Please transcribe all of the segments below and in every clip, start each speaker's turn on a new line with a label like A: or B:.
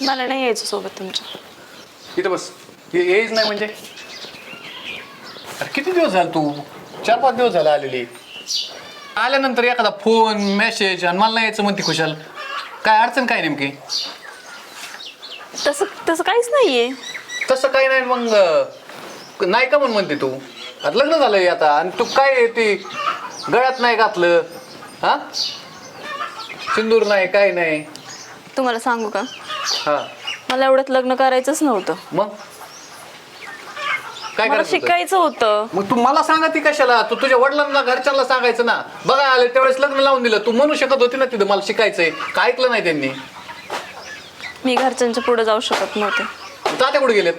A: मला नाही यायचं सोबत तुमच्या.
B: इथं बस. येईच नाही म्हणजे अरे किती दिवस झाले तू? 4-5 दिवस झाले आलेली. आल्यानंतर एखादा फोन मेसेज आणि मला नाही यायचं म्हणते खुशाल. काय अडचण काय नेमकी?
A: तसं तसं काहीच नाहीये.
B: तसं काही नाही मग नाही का म्हणते तू? आता लग्न झालंय आता आणि तू काय ते गळ्यात नाही घातलं हा? सिंदूर नाही काय नाही.
A: तुम्हाला सांगू का,
B: हा
A: मला एवढ्यात लग्न करायचंच नव्हतं.
B: मग काय
A: मला
B: करायचं होतं?
A: शिकायचं होतं.
B: मग तू मला सांगा ती कशाला? तू तुझ्या वडिलांना घरच्यांना सांगायचं ना. बघा आले त्यावेळेस लग्न लावून दिलं. तू म्हणू शकत होती ना तिथं मला शिकायचंय. काय ऐकलं नाही त्यांनी.
A: मी घरच्यांच्या पुढे जाऊ शकत नव्हते.
B: तात्या कुठे गेलेत?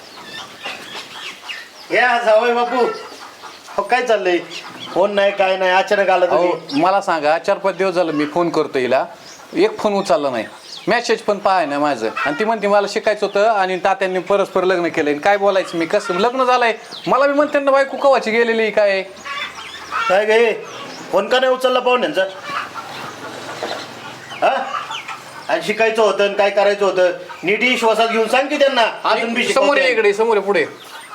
C: या जावई बापू. हो काय चाललंय? फोन नाही काय नाही, अचानक आला तुम्ही.
B: अहो मला सांगा 4-5 दिवस झालं मी फोन करतो हिला, एक फोन उचलला नाही, मेसेज पण पाहाय ना माझं. आणि ती म्हणते मला शिकायचं होतं आणि तात्यांनी परस्पर लग्न केलंय. काय बोलायचं मी? कसं लग्न झालंय? मला बी म्हणते ना बायको कवाची गेलेली काय.
C: काय गे फोन का नाही उचलला पाहुण्यांचा? हा आणि शिकायचं होतं आणि काय करायचं होतं नीट विश्वासात घेऊन सांग की त्यांना. अजून बी
B: समोर
C: शिकवते.
B: इकडे समोर पुढे.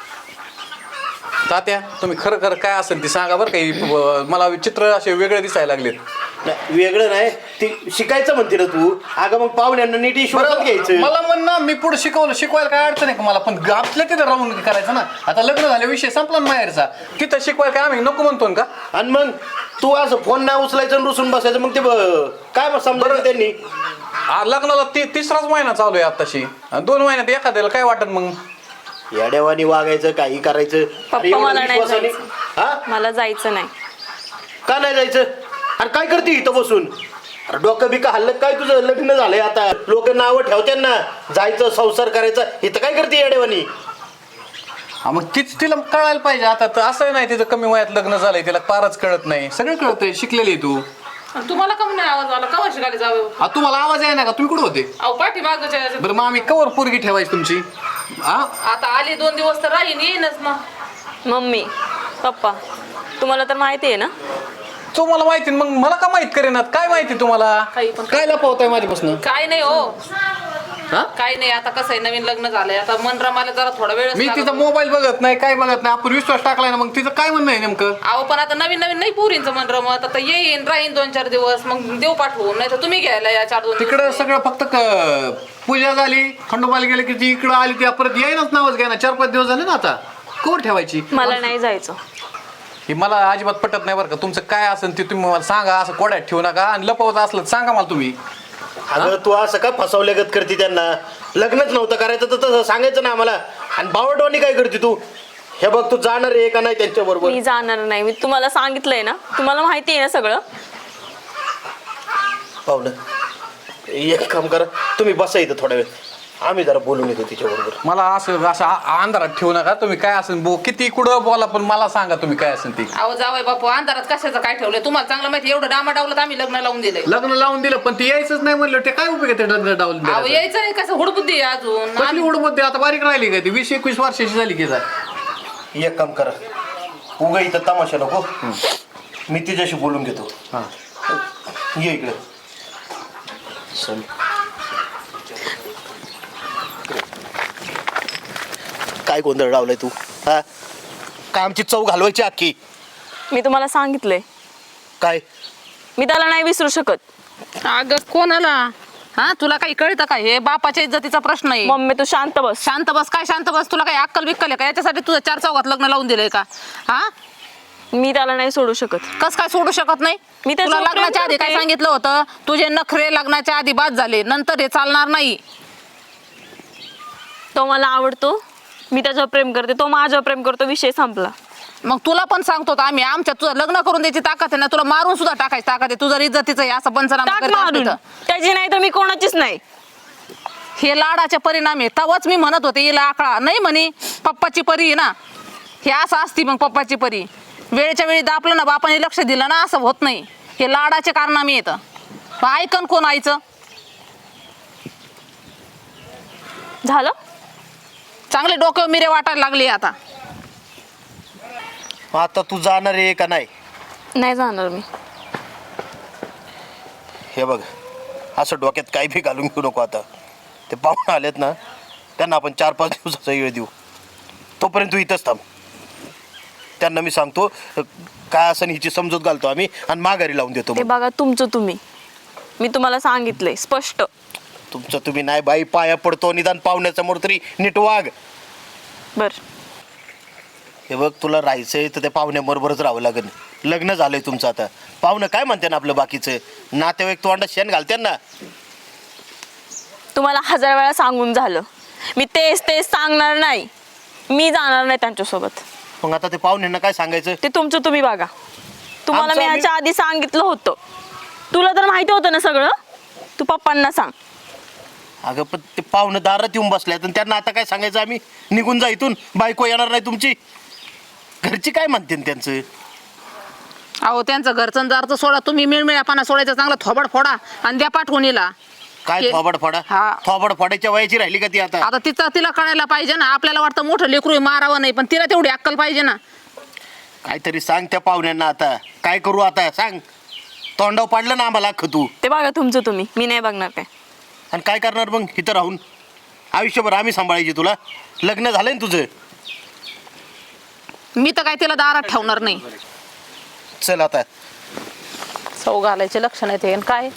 B: तात्या तुम्ही खरं खरं काय असेल ती सांगा बरं काही. मला चित्र असे वेगळे दिसायला लागलेत.
C: नाही, वेगळं नाही ती शिकायचं म्हणते ना तू. अगं मग पाहुण्यांना नीट विश्वासात घ्यायचं.
B: मला म्हण ना मी पुढे शिकवायला काय अडचण आहे का मला? पण आपल्या तिथं राहून करायचं ना. आता लग्न झाले विषय संपला ना माहेरचा. तिथं शिकवायला काय आम्ही नको म्हणतो का?
C: आणि मग तू असं फोन नाही उचलायचं आणि रुसून बसायचं मग ते काय समजा त्यांनी.
B: लग्नाला तिसराच महिना चालू आहे आताशी. 2 महिन्यात एखाद्याला काय वाटत मग?
C: येड्यावानी वागायचं काही करायचं. अरे
A: पप्पा
C: एवढं
A: मला नाही
C: विश्वासाने.
A: जायचं.
C: हा
A: मला जायचं नाही.
C: का नाही जायचं? अरे काय करते इथं बसून? अरे डोकं बिका हल्लं काय तुझं? लग्न झालंय आता, लोक नावं ठेवतात ना. जायचं संसार करायचा. इथं काय करते येडेवानी?
B: हा मग तिला कळायला पाहिजे. आता तर असं नाही तिचं कमी वयात लग्न झालंय तिला फारच कळत नाही. सगळं कळतंय. शिकलेली आहे तू.
D: तुम्हाला कमी नाही आवाज आला? कवा शिकायला जावं?
B: तुम्हाला आवाज आहे ना का? तुम्ही कुठे होते?
D: अहो पाठी मागच्या
B: बरं मग आम्ही कवर पोरगी ठेवायची तुमची? हा
D: आता आली 2 दिवस तर राहीन येईनच ना.
A: मम्मी पप्पा तुम्हाला तर माहिती आहे ना.
B: तुम्हाला माहिती मग मला का माहित करेनात? काय माहिती तुम्हाला?
D: काही पण.
B: काय लपवताय माझ्यापासून?
D: काय नाही हो.
B: हा
D: काय नाही. आता कसं आहे नवीन लग्न झालंय. आता मन रमायला जरा थोडा वेळ.
B: मी तिचा मोबाईल बघत नाही काय बघत नाही. आपण विश्वास टाकलाय ना. मग तिचं काय म्हणणं आहे नेमकं?
D: अहो पण आता नवीन नवीन नाही पुरींचं मन रमत. आता येईन राहीन 2-4 दिवस मग देऊ पाठवून. नाही तर तुम्ही घ्यायला या 4-2
B: तिकडं सगळं फक्त पूजा झाली खंडोबाला गेले की ती इकडं आली ती परत येईनच नावच घ्या ना. 4-5 दिवस झाले ना आता. कोण ठेवायची?
A: मला नाही जायचं.
B: हे मला अजिबात पटत नाही बरं का. तुमचं काय असेल ते तुम्ही मला सांगा. असं कोड्यात ठेवू नका. आणि लपवत असलं तर सांगा मला तुम्ही.
C: अगं तू असं का फसवल्यागत करते त्यांना? लग्नच नव्हतं करायचं तर तसं सांगायचं ना आम्हाला. आणि बावटवानी काय करते तू? हे बघ तू जाणार आहे का नाही त्यांच्या बरोबर?
A: मी जाणार नाही. मी तुम्हाला सांगितलंय ना. तुम्हाला माहिती आहे ना सगळं.
C: पाहुलं एक काम करा तुम्ही बसा इथं थोडा वेळ. आम्ही जरा बोलून येतो तिच्याबरोबर.
B: मला असं अंधारात ठेवू नका. तुम्ही काय असेल किती कुठं बोला पण मला सांगा तुम्ही काय असेल ते.
D: अहो जावई बापू अंधारात कशाचं काय ठेवलंय? तुम्हाला चांगलं माहिती. एवढं डामाडावलं तर आम्ही लग्न लावून दिलंय.
B: लग्न लावून दिलं पण ती यायचंच नाही म्हणलं ते काय उपयोग आहे? ते लग्न लावून
D: अहो
B: दिलं
D: यायचं नाही. कसं हुडबुद्धी आहे अजून.
B: कसली उडमध्ये आता बारीक राहिली काय ती? 20-21 वर्षाची झाली की जा.
C: एक काम करा उगा इथं तमाशा नको. मी तिच्याशी बोलून घेतो.
B: हा
C: ये इकडे. चल. काय गोंधळ लावलाय तू? हा काय आमची चव घालवायची अख्खी?
A: मी तुम्हाला सांगितलंय.
C: काय
A: मी त्याला नाही विसरू शकत.
D: अगं कोणाला? हा तुला काही कळतं का? हे बापाच्या इज्जतीचा प्रश्न आहे.
A: मम्मी तू शांत बस.
D: शांत बस. काय शांत बस? तुला काही अक्कल बिक्कल आहे का? याच्यासाठी तुझं 4 चौघात लग्न लावून दिलंय का? हा
A: मी त्याला नाही सोडू शकत.
D: कस काय सोडू शकत नाही?
A: मी
D: तुला
A: त्याच्यावर प्रेम
D: लग्नाच्या आधी काय
A: करते.
D: सांगितलं होतं? तुझे नखरे लग्नाच्या आधी बाद झाले, नंतर हे चालणार नाही.
A: तो मला आवडतो. मी त्याच्यावर प्रेम करते. तो माझ्यावर प्रेम करतो. विषय संपला.
D: मग तुला पण सांगतो आम्ही आमच्या तुझं लग्न करून द्यायची ताकद आहे ना. तुला मारून सुद्धा टाकायची ताकद आहे. तुझं इज्जतीचं आहे असं पंचनामा
A: टाक
D: करत असते
A: मारून.
D: तर.
A: त्याची नाही तर मी कोणाचीच नाही.
D: हे लाडाचे परिणाम आहे. तवच मी म्हणत होते हिला आकडा नाही म्हणे. पप्पाची परी आहे ना. हे असं असती मग पप्पाची परी. वेळेच्या वेळी दापलं ना बापाने लक्ष दिलं ना असं होत नाही. हे लाडाचे कारनामे येतं. ऐकन कोण आईचं?
A: झालं.
D: चांगले डोक्यावर मिरे वाटायला लागले आता.
C: आता तू जाणार आहे का नाही?
A: नाही जाणार मी.
C: हे बघ असं डोक्यात काही बी घालून घेऊ नको आता. ते पाहुणे आलेत ना त्यांना आपण 4-5 दिवसाचा वेळ देऊ. तोपर्यंत तू इथंच थांब. त्यांना मी सांगतो काय असं हिची समजूत घालतो आम्ही आणि माघारी लावून देतो.
A: ते बघा तुमचं तुम्ही, मी तुम्हाला सांगितलंय स्पष्ट.
C: तुमचं तुम्ही नाही बाई, पाया पडतो. निदान पाहुण्यासमोर तरी नीट वाग.
A: बर
C: हे बघ, तुला राहायचंय तर त्या पाहुण्याबरोबरच राहावं लागेल. लग्न झालंय तुमचं आता. पाहुणं काय म्हणते ना आपलं बाकीचं नातेवाईक तोंडात शेण घालते ना.
A: तुम्हाला 1000 वेळा सांगून झालं, मी तेच सांगणार नाही. मी जाणार नाही त्यांच्यासोबत.
C: मग आता ते पाहुण्यांना काय सांगायचं?
A: ते तुमचं तुम्ही बघा. तुम्हाला मी
C: आमचं
A: ह्याच्या आधी सांगितलं होतं. तुला तर माहिती होतं ना सगळं. तू पप्पांना सांग.
C: अगं पण ते पाहुणे दारात येऊन बसल्यात आणि त्यांना आता काय सांगायचं आम्ही? निघून जा इथून, बायको येणार नाही तुमची. घरची काय म्हणते त्यांचं?
D: अहो त्यांचं घरचं दारचं सोडा, तुम्ही मिळमिळापणा सोडायचा चांगला थोबड फोडा आणि द्या पाठवून हिला.
C: काय
D: हे-
C: थोबड फोडा?
D: हा.
C: थोबड फोडायच्या वयाची राहिली का ती आता?
D: आता तिला कळायला पाहिजे ना. आपल्याला वाटतं मोठं लेकरू आहे, मारावं नाही, पण तिला तेवढी अक्कल पाहिजे ना.
C: काहीतरी सांग त्या पाहुण्यांना. आता काय करू? आता सांग. तोंडाव पाडलं ना आम्हाला अख्खं तू.
A: ते बघा तुमचं तुम्ही, मी नाही बघणार काय.
C: आणि काय करणार मग इथं राहून? आयुष्यभर आम्ही सांभाळायची तुला. लग्न झालंय ना तुझं.
D: मी तर काय तिला दारात ठेवणार नाही.
C: चल आता.
D: सौ घालायचे लक्षण येते काय.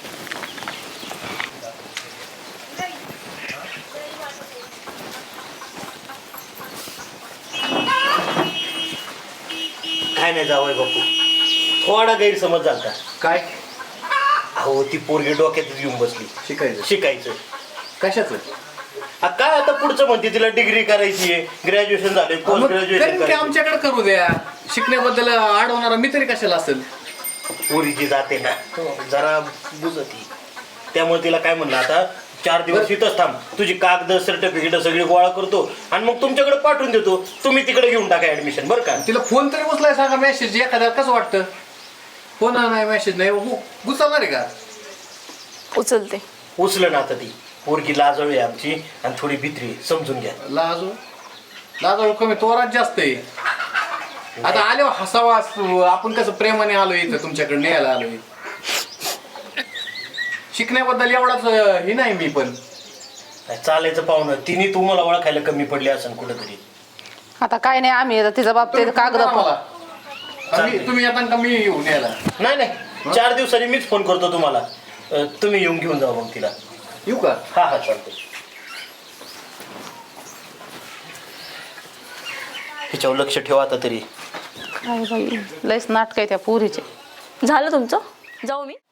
C: काय नाही जावय बापू, थोडा गैरसमज झाला.
B: काय
C: अहो ती पोरगी डोक्यात येऊन बसली. शिकायचं
B: कशाचं?
C: काय आता पुढचं म्हणते तिला डिग्री करायची आहे, ग्रॅज्युएशन झाले, पोस्ट ग्रॅज्युएशन.
B: आमच्याकडे करू द्या. शिकण्याबद्दल अडवणारा मी तरी कशाला असेल?
C: पोरीची जाते ना जरा बुजती, त्यामुळे तिला काय म्हणलं आता 4 दिवस इथंच थांब. तुझी कागद सर्टिफिकेट सगळी गोळा करतो आणि मग तुमच्याकडे पाठवून देतो. तुम्ही तिकडे घेऊन टाका ऍडमिशन. बरं का?
B: तिला फोन तरी उचलाय सांगा. मेसेज एखाद्या कसं वाटतं? फोन नाही, मेसेज नाही, गुचालणार आहे का?
A: उचलते.
C: उचलं ना आता. ती पोरगी लाजळू आहे आमची आणि थोडी भित्री, समजून घ्या.
B: लाजू कमी, तोरात जास्त आहे. आता आलो हसावा. आपण कसं प्रेमाने आलो इथं तुमच्याकडे न्यायला आलोय. शिकण्याबद्दल एवढाच हे नाही मी पण.
C: चालायचं पाहुणं. तिने तुम्हाला ओळखायला कमी पडली असं कुठंतरी.
D: आता काय नाही, आम्ही आता तिचा बाप ते कागद
B: तुम्ही येता का मी येऊन यायला?
C: नाही 4 दिवसांनी मीच फोन करतो तुम्हाला. तुम्ही येऊन घेऊन जा मग तिला.
B: येऊ का?
C: हा चालतंय. ह्याच्यावर लक्ष ठेवा आता तरी.
D: काय बाई, लयच नाटक आहे त्या पोरीचे.
A: झालं तुमचं? जाऊ मी?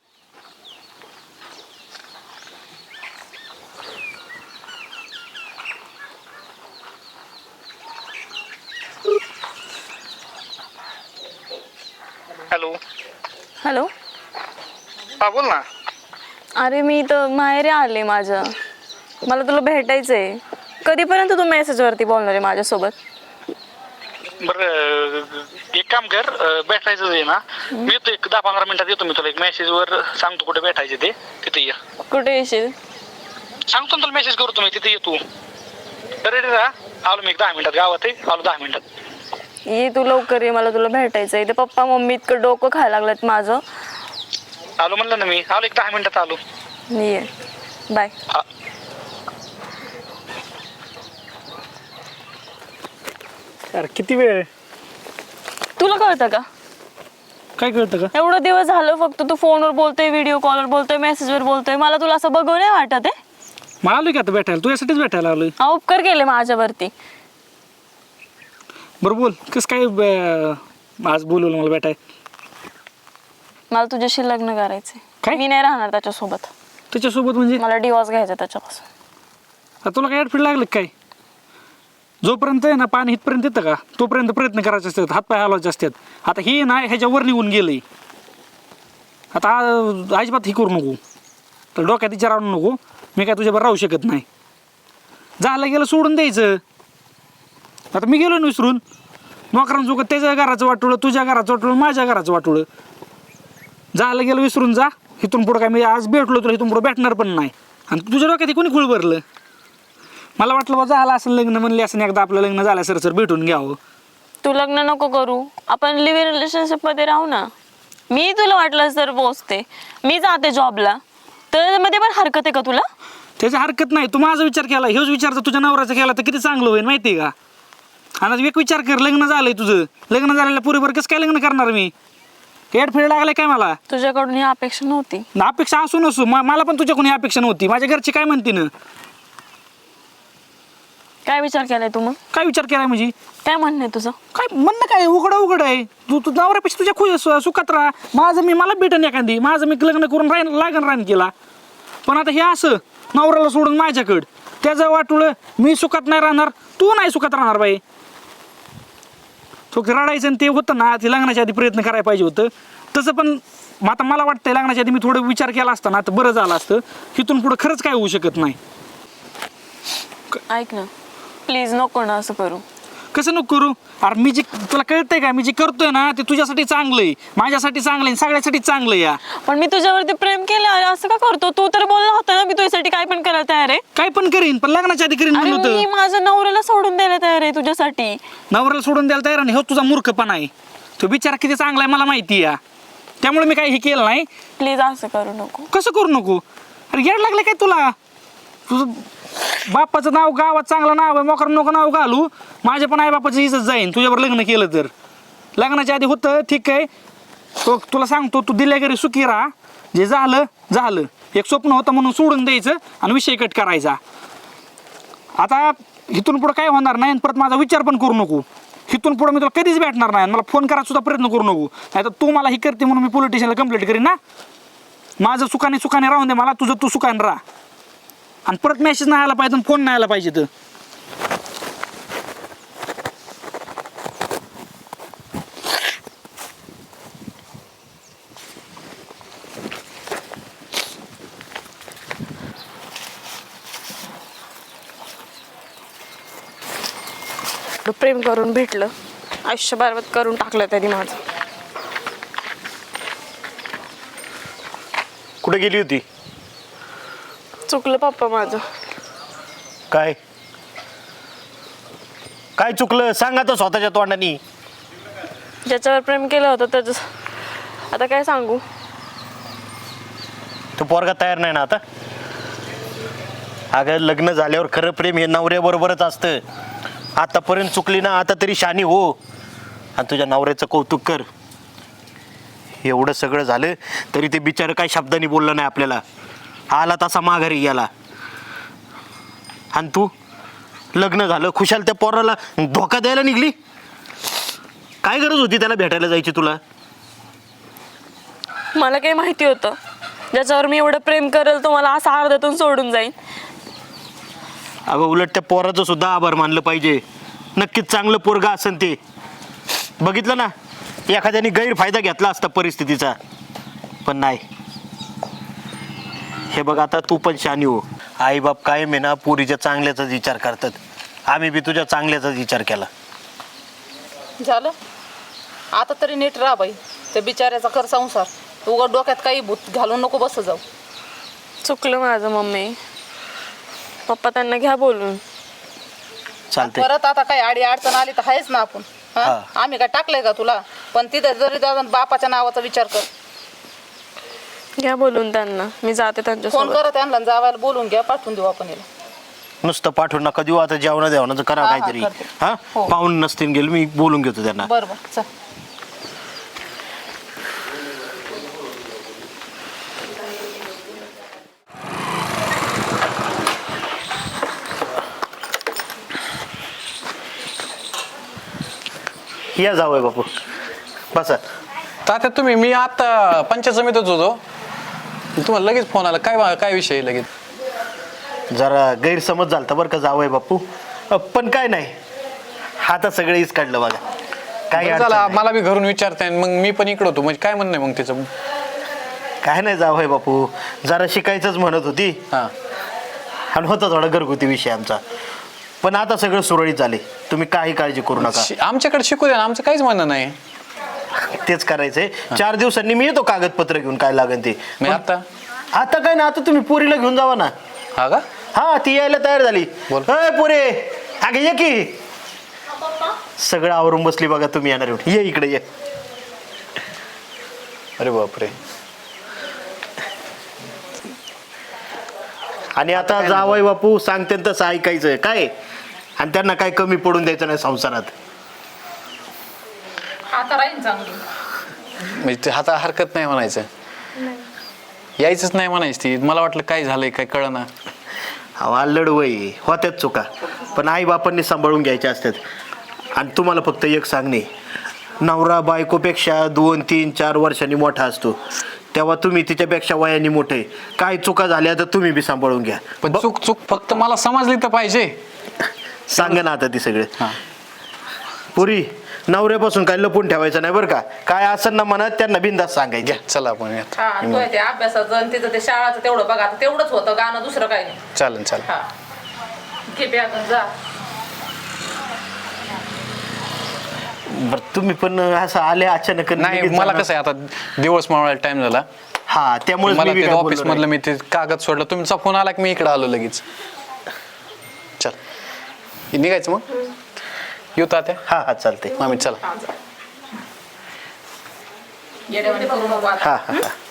E: हॅलो.
A: हॅलो.
E: हा बोल ना.
A: अरे मी तर माहेरी आले माझ्या. मला तुला भेटायचंय. कधीपर्यंत तू मेसेजवरती बोलणार आहे माझ्यासोबत?
E: बरं एक काम कर, भेटायचं आहे ना, मी येतो 10-15 मिनिटात येतो. मी तुला एक मेसेजवर सांगतो कुठे भेटायचे ते, तिथे ये.
A: कुठे येशील?
E: सांगतो ना तुला, मेसेज करतो मी, तिथे ये तू. रेडी राहा. आलो मी 10 मिनिटात. गावात आहे, आलो 10 मिनिटात.
A: ये तू लवकर ये, मला तुला भेटायचंय. ते पप्पा मम्मी इतकं डोकं खायला लागलं माझं.
E: आलो म्हणलं ना मी. आलो 10 मिनिटात आलो.
A: ये बाय.
E: हा.
F: अरे किती वेळ आहे?
A: तुला कळतं का?
F: काय कळतं का?
A: एवढं दिवस झालं फक्त तू फोनवर बोलतोय, व्हिडिओ कॉलवर बोलतोय, मेसेजवर बोलतोय. मला तुला असं बघू नाही वाटत आहे?
F: मग आलोय का आता भेटायला? तू यासाठीच भेटायला आलोय.
A: हा उपकार केले माझ्यावरती.
F: बरं बोल, कसं काय आज बोलवलं मला भेटाय?
A: मला तुझ्याशी लग्न करायचंय.
F: काय?
A: मी नाही राहणार त्याच्यासोबत.
F: त्याच्यासोबत म्हणजे?
A: मला डिवॉर्स घ्यायचा त्याच्यापासून.
F: आता तुला काय अडफीड लागलं काय? जोपर्यंत आहे ना पाणी इथपर्यंत येतं का तोपर्यंत प्रयत्न करायचे असतात, हातपाय हलवायचे असतात. आता हे ना ह्याच्यावर निघून गेलंय. आता अजिबात हे करू नको. तर डोक्यात विचार आणू नको. मी काय तुझ्याबरोबर राहू शकत नाही. झालं गेलं सोडून द्यायचं. आता मी गेलो ना विसरून. नोकरांसोबत त्याच्या घराचं वाटोळं, तुझ्या घराचं वाटोळं, माझ्या घराचं वाटोळं. झालं गेलं विसरून जा. इथून पुढं काय मी आज भेटलो तुला, इथून पुढं भेटणार पण नाही. आणि तुझ्या डोक्यात कोणी खुळ भरलं? मला वाटलं बा झालं असं लग्न, म्हणले असं एकदा आपलं लग्न झालं सर भेटून घ्यावं.
A: तू लग्न नको करू, आपण लिव्ह इन रिलेशनशिप मध्ये राहू ना. मी तुला वाटलं तर पोचते, मी जाते जॉबला. तर मध्ये पण हरकत आहे का तुला?
F: त्याची हरकत नाही. तू माझा विचार केला, ह्योच विचार जर तुझ्या नवऱ्याचा केला तर किती चांगलं होईल माहिती आहे का? आणि एक विचार कर, लग्न झालंय तुझं, लग्न झालेल्या पुरीवर कसं काय लग्न करणार मी? फेड लागलाय काय मला?
A: तुझ्याकडून ही अपेक्षा नव्हती.
F: ना अपेक्षा असू नसू, मला पण तुझ्याकडून ही अपेक्षा नव्हती. माझ्या घरची काय म्हणते ना?
A: काय विचार केलाय तू मग?
F: काय विचार केलाय म्हणजे?
A: काय म्हणणं आहे तुझं?
F: काय म्हणणं काय? उघड आहे. तू नवऱ्यापेक्षा तुझ्या सुखात राहा. मला भेटन एखादी, मी लग्न करून रान केला. पण आता हे असं नवऱ्याला सोडून माझ्याकडं, त्याचं वाटुळं मी सुखात नाही राहणार, तू नाही सुखात राहणार बाई. तो रडायचं आणि ते होतं ना, ते लग्नाच्या आधी प्रयत्न करायला पाहिजे होतं तसं. पण आता मला वाटतंय लग्नाच्या आधी मी थोडं विचार केला असता ना तर बरं झालं असतं. इथून पुढं खरंच काय होऊ शकत नाही.
A: ऐक ना प्लीज, नको ना असं करू.
F: कसं नको करू? अरे मी जे, तुला कळतंय का, मी जे करतोय ना ते तुझ्यासाठी चांगलं आहे, माझ्यासाठी चांगलं आहे, सगळ्यासाठी चांगलं आहे. या
A: पण मी तुझ्यावरती प्रेम केलं, अरे असं का करतो? तू तर बोलला होता ना मी तुझ्यासाठी काय पण करायला तयार आहे.
F: काय पण करीन, पण लग्नाच्या आधी करीन
A: अरे
F: म्हणलं
A: मी
F: होतं.
A: माझ्या नवऱ्याला सोडून द्यायला तयार आहे तुझ्यासाठी.
F: नवऱ्याला सोडून द्यायला तयार नाही, हो तुझा मूर्खपणा आहे. तो बिचारा किती चांगला आहे मला माहिती आहे. त्यामुळे मी काही हे केलं नाही.
A: प्लीज असं करू नको.
F: कसं करू नको? अरे येड लागलं काय तुला? तुझं बापाचं नाव गावात चांगलं नाव आहे, मोकर नको नाव घालू. माझ्या पण आई बापाची इज्जत जाईन तुझ्यावर लग्न केलं तर. लग्नाच्या आधी होतं ठीक आहे, तुला सांगतो तू दिल्या घरी सुखी राहा. जे झालं, एक स्वप्न होतं म्हणून सोडून द्यायचं आणि विषय कट करायचा. आता इथून पुढं काय होणार नाही आणि परत माझा विचार पण करू नको. इथून पुढं मी तुला कधीच भेटणार नाही, मला फोन करायचा सुद्धा प्रयत्न करू नको. नाही तर तू मला ही करते म्हणून मी पोलीस स्टेशनला कंप्लेंट करीन ना. माझं सुखाने राहून दे मला, तुझं तू सुखाने राहा. आणि परत मेसेज नाही आला पाहिजे, फोन नाही आला पाहिजे. तर
A: प्रेम करून भेटलं, आयुष्य बरबाद करून टाकलं त्यांनी माझं.
C: कुठे गेली होती?
A: चुकलं पप्पा माझं.
C: काय काय चुकलं सांगा तर स्वतःच्या तोंडानी.
A: ज्याच्यावर प्रेम केलं होतं त्याचं आता काय सांगू.
C: तो पोरगा तयार नाही ना आता. अगं लग्न झाल्यावर खरं प्रेम हे नवऱ्याबरोबरच असतं. आतापर्यंत चुकली ना, आता तरी शानी हो आणि तुझ्या नवऱ्याचं कौतुक कर. एवढं सगळं झालं तरी ते बिचारं काही शब्दांनी बोललं नाही आपल्याला. आला तसा माघारी गेला. आणि तू लग्न झालं खुशाल त्या पोराला धोका द्यायला निघली. काय गरज होती त्याला भेटायला जायची तुला?
A: मला काही माहिती होतं ज्याच्यावर मी एवढं प्रेम करेल तो मला असं अर्ध्यातून सोडून जाईल.
C: अगं उलट त्या पोराचं सुद्धा आभार मानलं पाहिजे. नक्कीच चांगलं पोरगा असेल ते. बघितलं ना, एखाद्याने गैरफायदा घेतला असता परिस्थितीचा, पण नाही. हे बघ आता तू पण शानी हो. आई बाप कायम आहे ना पोरीच्या चांगल्याचाच विचार करतात. आम्ही बी तुझ्या चांगल्याचाच विचार केला.
D: झालं आता तरी नीट राहा बाई. त्या बिचाऱ्याचा कर संसार. उगा डोक्यात काही भूत घालून नको बस जाऊ.
A: चुकलं माझं मम्मी. पप्पा त्यांना घ्या बोलून.
C: चालते.
D: परत आता काही आडी अडचण आली तर आहेच ना आपण.
C: हा.
D: आम्ही काय टाकलंय का तुला? पण तिथे जरी जाऊन बापाच्या नावाचा विचार कर.
A: घ्या बोलून त्यांना, मी जाते
D: फोन
A: त्यांच्यासोबत.
D: करा त्यांना, जावायला बोलून घ्या, पाठवून देऊ आपण याला.
C: नुसतं पाठवून नका देऊ. आता जेवण देवणाचं करा
D: हा, हा,
C: काहीतरी.
D: करते.
C: हा
D: हो.
C: पाहून नसतील गेलं मी बोलून घेतो त्यांना.
D: बरोबर चल.
C: या जावं बापू बसा.
B: तात्या तुम्ही, मी आता पंचायत समितीत होतो, तुम्हाला लगेच फोन आला. काय विषय लगेच?
C: जरा गैरसमज झालता बरं का जावंय बापू. पण काय नाही, आता सगळेच काढलं बघा. काय
B: बरं
C: अडचण
B: झालं,
C: नाही.
B: मला बी घरून विचारताय मग मी पण इकडं होतो. म्हणजे काय म्हणणं आहे मग त्याचं?
C: काय नाही जावंय बापू, जरा शिकायचंच म्हणत होती
B: हां
C: आणि होता थोडा घरगुती विषय आमचा. पण आता सगळं सुरळीत झाले. तुम्ही काही काळजी करू नका.
B: आमच्याकडे शिकू द्या ना, आमचं काहीच म्हणणं नाही.
C: तेच करायचंय. 4 दिवसांनी मी येतो कागदपत्र घेऊन काय लागेल ते.
B: मी आता
C: आता काय ना, आता तुम्ही पोरीला घेऊन जावा ना.
B: हा का?
C: हा ती यायला तयार झाली.
B: बोल.
C: अय पोरे अगे ये की. सगळं आवरून बसली बघा. तुम्ही येणार येऊन ये इकडे ये.
B: अरे बापरे.
C: आणि आता जावई बापू सांगते तसं ऐकायचं काय, आणि त्यांना काय कमी पडून द्यायचं नाही संसारात.
D: आता राहील चांगली.
B: म्हणजे ते आता हरकत नाही म्हणायचं, यायचंच नाही म्हणायचं. ती मला वाटलं काय झालंय काय कळना.
C: अल्लड वय होत्यात चुका, पण आई बापांनी सांभाळून घ्यायच्या असतात. आणि तुम्हाला फक्त एक सांगणे, नवरा बायकोपेक्षा 2, 3, 4 वर्षांनी मोठा असतो, तेव्हा तुम्ही तिच्यापेक्षा वयाने मोठे. काय चुका झाल्या तर तुम्ही बी सांभाळून घ्या.
B: पण चूक फक्त मला समजली तर पाहिजे.
C: सांगा ना आता ती सगळे.
B: हा.
C: पुरी नवऱ्यापासून काय लपून ठेवायचं नाही बरं का. काय असं ना म्हणत त्यांना बिंदास सांगायचं.
B: चला आपण यात.
D: हा तो ते अभ्यासाचं आणि तिचं ते शाळाचं तेवढं बघा, आता तेवढंच होतं गाणं, दुसरं काही नाही.
B: चालेल चालेल.
D: हा घे बॅग जा.
C: बरं तुम्ही पण असं आले अचानक.
B: नाही
C: लगेच
B: मला
C: जाणार.
B: कसं आहे आता दिवस मावळायला टाइम झाला.
C: हा त्यामुळे
B: मला ते ऑफिस मधलं मी ते कागद सोडलं, तुमचा फोन आला की मी इकडे आलो लगेच. चल निघायचं मग. येऊ तात्या.
C: हा हा चालते.
B: मामी चला.
D: येड्यावानी करू नको आता.
C: हा हा हा